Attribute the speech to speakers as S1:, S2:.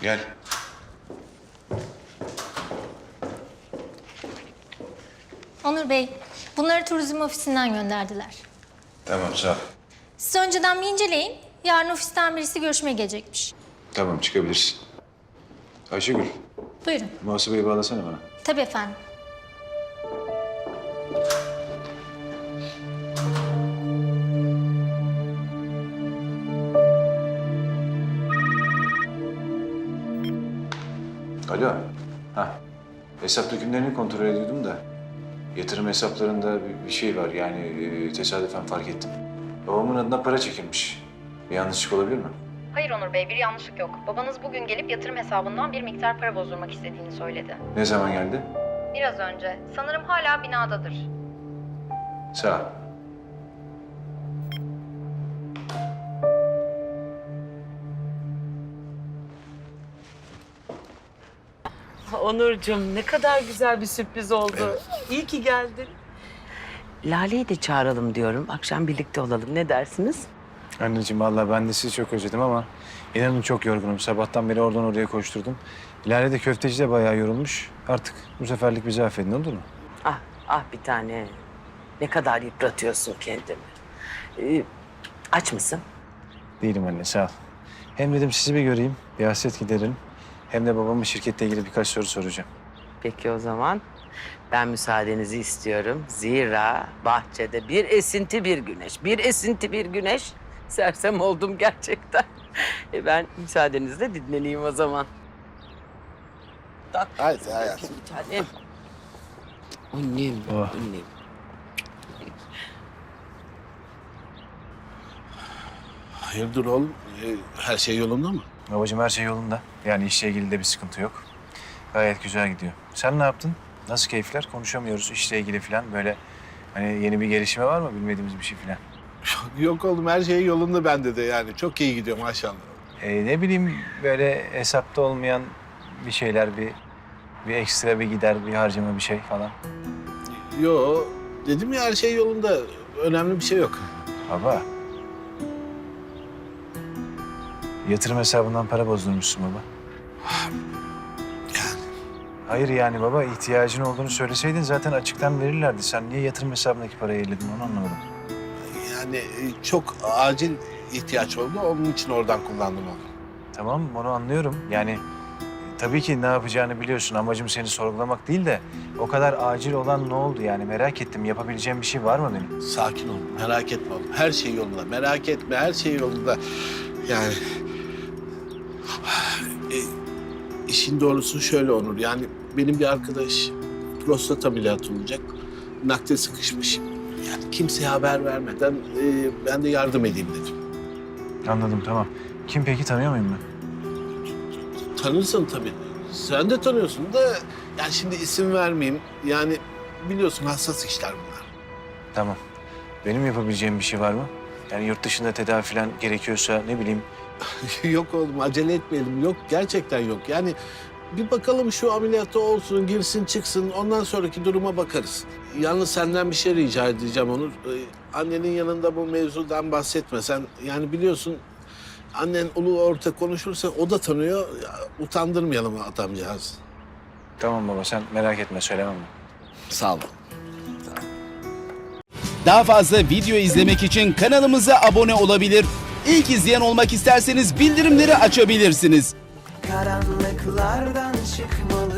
S1: Gel.
S2: Onur Bey, bunları turizm ofisinden gönderdiler.
S1: Tamam, sağ ol.
S2: Siz önceden bir inceleyin. Yarın ofisten birisi görüşmeye gelecekmiş.
S1: Tamam, çıkabilirsin. Ayşegül,
S2: Buyurun.
S1: muhasebeyi bağlasana bana.
S2: Tabii efendim.
S1: Alo. Ha. Hesap dökümlerini kontrol ediyordum da. Yatırım hesaplarında bir şey var yani tesadüfen fark ettim. Babamın adına para çekilmiş. Bir yanlışlık olabilir mi?
S3: Hayır Onur Bey, bir yanlışlık yok. Babanız bugün gelip yatırım hesabından bir miktar para bozdurmak istediğini söyledi.
S1: Ne zaman geldi?
S3: Biraz önce. Sanırım hala binadadır.
S1: Sağ ol.
S4: Onurcuğum, ne kadar güzel bir sürpriz oldu. İyi ki geldin. Lale'yi de çağıralım diyorum. Akşam birlikte olalım. Ne dersiniz?
S5: Anneciğim vallahi ben de sizi çok özledim ama inanın çok yorgunum. Sabahtan beri oradan oraya koşturdum. Lale de köfteci de bayağı yorulmuş. Artık bu seferlik bizi affedin, olur mu?
S4: Ah, ah bir tane. Ne kadar yıpratıyorsun kendini. Aç mısın?
S5: Değilim anne, sağ ol. Hem dedim sizi bir göreyim, bir hasret giderin. Hem de babamın şirketle ilgili birkaç soru soracağım.
S4: Peki o zaman ben müsaadenizi istiyorum. Zira bahçede bir esinti bir güneş, bir esinti bir güneş. Sersem oldum gerçekten. Ben müsaadenizle dinleneyim o zaman.
S6: Haydi hayatım.
S4: Bir tanem. Annem,
S5: Oh.
S4: annem.
S6: Hayırdır oğlum? Her şey yolunda mı?
S5: Babacığım her şey yolunda. Yani işle ilgili de bir sıkıntı yok. Gayet güzel gidiyor. Sen ne yaptın? Nasıl keyifler? Konuşamıyoruz işle ilgili falan. Böyle hani yeni bir gelişme var mı? Bilmediğimiz bir şey falan.
S6: Yok oğlum, her şey yolunda bende de yani. Çok iyi gidiyor maşallah.
S5: Ne bileyim böyle hesapta olmayan bir şeyler, bir ekstra bir gider, bir harcama bir şey falan.
S6: Yo, dedim ya her şey yolunda. Önemli bir şey yok.
S5: Baba. Yatırım hesabından para bozdurmuşsun baba.
S6: Yani
S5: Hayır yani baba ihtiyacın olduğunu söyleseydin zaten açıktan verirlerdi. Sen niye yatırım hesabındaki parayı elledin onu anlamadım.
S6: çok acil ihtiyaç oldu. Onun için oradan kullandım onu.
S5: Tamam onu anlıyorum. Yani tabii ki ne yapacağını biliyorsun. Amacım seni sorgulamak değil de o kadar acil olan ne oldu yani merak ettim. Yapabileceğim bir şey var mı benim?
S6: Sakin ol, merak etme oğlum. Her şey yolunda. Merak etme, her şey yolunda. Yani... işin doğrusu şöyle Onur. Yani benim bir arkadaş prostat ameliyatı olacak. Nakde sıkışmış. Yani kimseye haber vermeden ben de yardım edeyim dedim.
S5: Anladım tamam. Kim peki tanıyor muyum ben?
S6: Tanırsın tabii. Sen de tanıyorsun da yani şimdi isim vermeyeyim. Yani biliyorsun hassas işler bunlar.
S5: Tamam. Benim yapabileceğim bir şey var mı? Yani yurt dışında tedavi falan gerekiyorsa ne bileyim.
S6: Yok oğlum acele etmeyelim. Yok gerçekten yok. Yani bir bakalım şu ameliyatı olsun, girsin çıksın. Ondan sonraki duruma bakarız. Yalnız senden bir şey rica edeceğim Onur. Annenin yanında bu mevzudan bahsetme. Sen yani biliyorsun annen ulu orta konuşursa o da tanıyor. Ya, utandırmayalım adamcağız.
S5: Tamam baba sen merak etme söylemem ben.
S6: Sağ ol.
S7: Daha fazla video izlemek için kanalımıza abone olabilir. İlk izleyen olmak isterseniz bildirimleri açabilirsiniz.
S8: Karanlıklardan çıkmalı